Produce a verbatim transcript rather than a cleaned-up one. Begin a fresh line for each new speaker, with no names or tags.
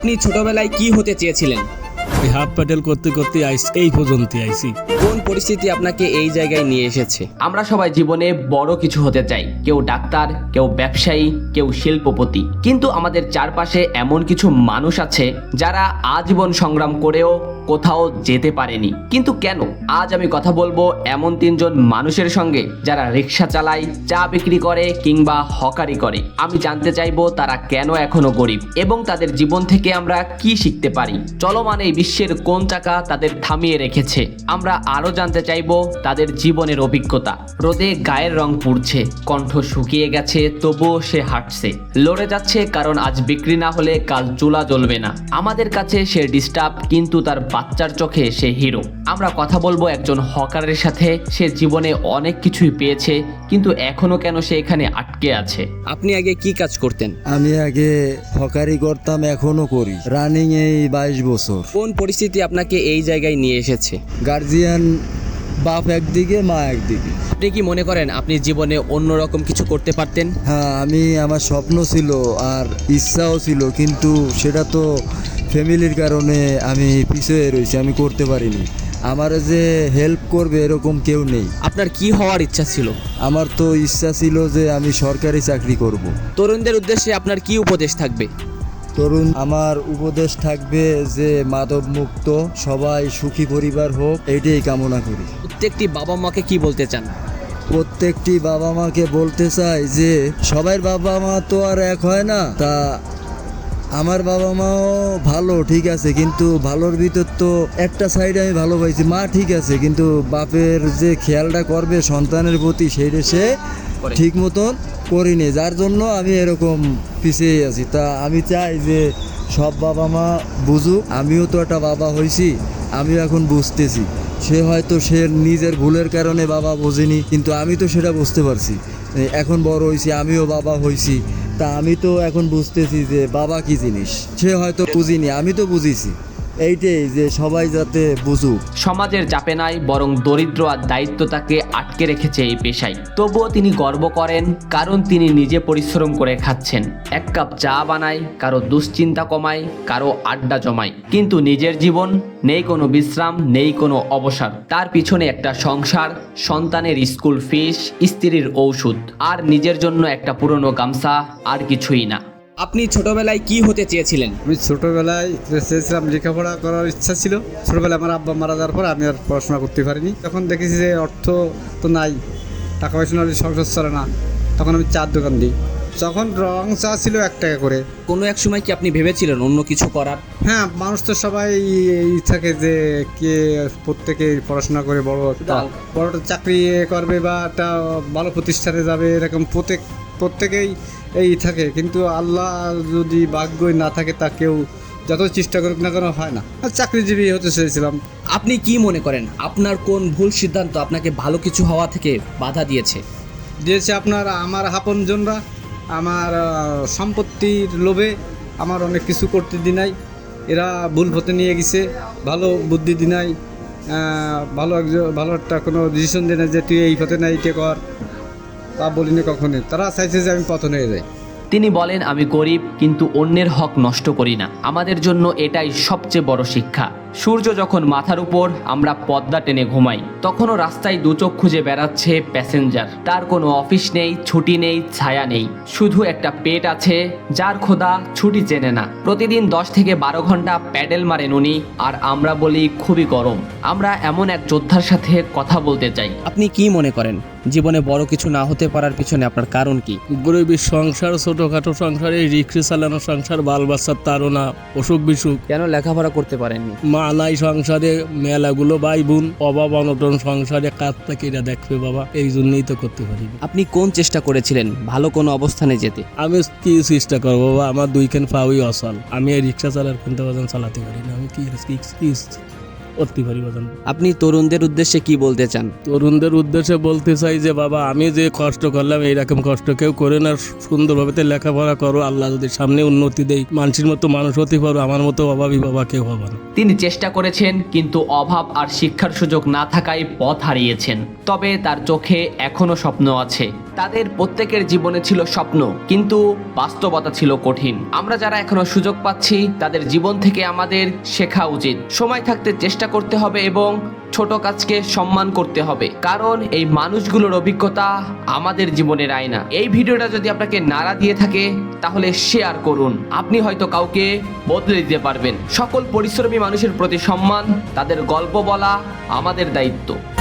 আপনি ছোটবেলায় কি হতে চেয়েছিলেন?
ওই হাফ প্যাডেল করতে করতে আইস এই পর্যন্ত আইছি।
কোন পরিস্থিতি আপনাকে এই জায়গায় নিয়ে এসেছে?
আমরা সবাই জীবনে বড় কিছু হতে চাই, কেউ ডাক্তার, কেউ ব্যবসায়ী, কেউ শিল্পপতি। কিন্তু আমাদের চারপাশে এমন কিছু মানুষ আছে যারা আজীবন সংগ্রাম করেও কোথাও যেতে পারেনি। কিন্তু কেন? আজ আমি কথা বলবো এমন তিনজন মানুষের সঙ্গে যারা রিক্সা চালায়, চা বিক্রি করে কিংবা হকারি করে। আমি জানতে চাইবো তারা কেন এখনো গরিব এবং তাদের জীবন থেকে আমরা কি শিখতে পারি। চলমান এই বিশ্বের কোন চাকা তাদের থামিয়ে রেখেছে। আমরা আরো জানতে চাইবো তাদের জীবনের অভিজ্ঞতা। রোদে গায়ের রং পুড়ছে, কণ্ঠ শুকিয়ে গেছে, তবুও সে হাঁটছে, লড়ে যাচ্ছে, কারণ আজ বিক্রি না হলে কাল চুলা জ্বলবে না। আমাদের কাছে সে ডিস্টার্ব, কিন্তু তার বাচ্চার চোখে সে হিরো। আমরা কথা বলবো একজন হকারের সাথে। সে জীবনে অনেক কিছুই পেয়েছে, কিন্তু এখনো কেন সে এখানে আটকে আছে।
আপনি আগে কি কাজ করতেন?
আমি আগে হকারি করতাম, এখনো করি, রানিং এই বাইশ বছর।
কোন পরিস্থিতি আপনাকে এই জায়গায় নিয়ে এসেছে?
গার্জিয়ান বাপ একদিকে, মা একদিকে।
আপনি কি মনে করেন আপনি জীবনে অন্যরকম কিছু করতে পারতেন?
হ্যাঁ, আমি আমার স্বপ্ন ছিল আর ইচ্ছাও ছিল, কিন্তু সেটা তো ফ্যামিলির কারণে আমি পিছিয়ে রয়েছি, আমি করতে পারিনি। আমার যে হেল্প করবে এরকম কেউ নেই।
আপনার কি হওয়ার ইচ্ছা ছিল?
আমার তো ইচ্ছা ছিল যে আমি সরকারি চাকরি করব।
তরুণদের উদ্দেশ্যে আপনার কি উপদেশ থাকবে?
তরুণ, আমার উপদেশ থাকবে যে মাদক মুক্ত, সবাই সুখী পরিবার হোক, এইটাই কামনা করি।
প্রত্যেকটি বাবা মাকে কি বলতে চান?
প্রত্যেকটি বাবা মাকে বলতে চাই যে সবার বাবা মা তো আর এক হয় না। তা আমার বাবা মাও ভালো, ঠিক আছে, কিন্তু ভালোর ভিতর তো একটা সাইড আমি ভালো পাইছি। মা ঠিক আছে, কিন্তু বাপের যে খেয়ালটা করবে সন্তানের প্রতি, সেইটা সে ঠিক মতন করিনি, যার জন্য আমি এরকম পিছিয়ে আছি। তা আমি চাই যে সব বাবা মা বুঝুক, আমিও তো একটা বাবা হয়েছি, আমিও এখন বুঝতেছি। সে হয়তো সে নিজের ভুলের কারণে বাবা বোঝেনি, কিন্তু আমি তো সেটা বুঝতে পারছি। এখন বড় হয়েছি, আমিও বাবা হয়েছি, তা আমি তো এখন বুঝতেছি যে বাবা কি জিনিস। সে হয়তো বুঝিনি, আমি তো বুঝিছি। এইটাই যে সবাই যাতে বুঝুক।
সমাজের চাপে নাই, বরং দরিদ্র আর দায়িত্ব তাকে আটকে রেখেছে এই পেশায়। তবুও তিনি গর্ব করেন, কারণ তিনি নিজে পরিশ্রম করে খাচ্ছেন। এক কাপ চা বানায়, কারো দুশ্চিন্তা কমায়, কারো আড্ডা জমায়, কিন্তু নিজের জীবন নেই কোনো বিশ্রাম, নেই কোনো অবসর। তার পিছনে একটা সংসার, সন্তানের স্কুল ফিস, স্ত্রীর ঔষধ, আর নিজের জন্য একটা পুরনো গামছা, আর কিছুই না।
আপনি ছোটবেলায় কি হতে চেয়েছিলেন?
আমি ছোটোবেলায় চেয়েছিলাম, লেখাপড়া করার ইচ্ছা ছিল। ছোটোবেলায় আমার আব্বা মারা যাওয়ার পর আমি আর পড়াশোনা করতে পারিনি। তখন দেখেছি যে অর্থ তো নাই, টাকা পয়সা না হলে সংসার চলে না। তখন আমি চার দোকান দিই। তখন রং চা ছিল এক টাকা করে।
কোনো এক সময় কি আপনি ভেবেছিলেন অন্য কিছু করার?
হ্যাঁ, মানুষ তো সবাই ই থাকে যে কে প্রত্যেকে পড়াশোনা করে বড় একটা বড় একটা চাকরি করবে বা একটা ভালো প্রতিষ্ঠানে যাবে, এরকম প্রত্যেক প্রত্যেকেই এই থাকে। কিন্তু আল্লাহ যদি ভাগ্যই না থাকে, তা কেউ যত চেষ্টা করুক না কেন হয় না। আর চাকরিজীবী হতে চেয়েছিলাম।
আপনি কি মনে করেন আপনার কোন ভুল সিদ্ধান্ত আপনাকে ভালো কিছু হওয়া থেকে বাধা দিয়েছে?
দিয়েছে আপনার আমার আপনজনরা, আমার সম্পত্তির লোভে আমার অনেক কিছু করতে দি নাই। এরা ভুল পথে নিয়ে গেছে, ভালো বুদ্ধি দি নাই, ভালো একজন ভালো একটা কোনো ডিসিশন দেয় না যে তুই এই পথে না এইটা কর, তা বলিনি কখনই। তারা চাইছে যে আমি পতন হয়ে যাই।
তিনি বলেন, আমি গরিব কিন্তু অন্যের হক নষ্ট করি না। আমাদের জন্য এটাই সবচেয়ে বড় শিক্ষা। সূর্য যখন মাথার উপর, আমরা পর্দা টেনে ঘুমাই, তখনও রাস্তায় দুচোখ খুঁজে বেড়াচ্ছে প্যাসেঞ্জার। তার কোনো অফিস নেই, ছুটি নেই, ছায়া নেই, শুধু একটা পেট আছে যার খোদা ছুটি চেনে না। প্রতিদিন দশ থেকে বারো ঘন্টা প্যাডেল মারেন উনি, আর আমরা বলি খুবই গরম। আমরা এমন এক যোদ্ধার সাথে কথা বলতে চাই।
আপনি কি মনে করেন জীবনে বড় কিছু না হতে পারার পিছনে আপনার কারণ কি?
গরিবের সংসার, ছোটোখাটো সংসারে রিক্সা চালানো সংসার, বাল বাচ্চার তারা, অসুখ বিসুখ,
কেন লেখাপড়া করতে পারেননি?
মা নাই সংসারে, মেলাগুলো ভাই বোন, অভাব অনটন সংসারে, কাজ থেকে এরা দেখবে বাবা, এই জন্যই তো করতে পারি।
আপনি কোন চেষ্টা করেছিলেন ভালো কোনো অবস্থানে যেতে?
আমি কি চেষ্টা করবো বাবা, আমার দুইখান পাওই অচল। আমি এই রিক্সা চালার কিন্তু বাজান চালাতে পারি না। আমি কি কি করতে পারি বাজান?
আপনি তরুণদের উদ্দেশ্যে কি বলতে চান?
তরুণদের উদ্দেশ্যে বলতে চাই যে বাবা, আমি যে কষ্ট করলাম এইরকম কষ্ট কেউ করে না। সুন্দরভাবে লেখাপড়া করো, আল্লাহ যদি সামনে উন্নতি দেয়, মানুষের মতো মানুষ হতে পারো। আমার মতো অভাবী বাবা কেউ হবে না।
তিনি চেষ্টা করেছেন, কিন্তু অভাব আর শিক্ষার সুযোগ না থাকায় পথ হারিয়েছেন। তবে তার চোখে এখনো স্বপ্ন আছে। তাদের প্রত্যেকের জীবনে ছিল স্বপ্ন, কিন্তু বাস্তবতা ছিল কঠিন। আমরা যারা এখনো সুযোগ পাচ্ছি তাদের জীবন থেকে আমাদের শেখা উচিত। সময় থাকতে চেষ্টা করতে হবে এবং ছোট কাজকে সম্মান করতে হবে, কারণ এই মানুষগুলোর অভিজ্ঞতা আমাদের জীবনের আয়না। এই ভিডিওটা যদি আপনাকে নাড়া দিয়ে থাকে তাহলে শেয়ার করুন, আপনি হয়তো কাউকে বদলে দিতে পারবেন। সকল পরিশ্রমী মানুষের প্রতি সম্মান, তাদের গল্প বলা আমাদের দায়িত্ব।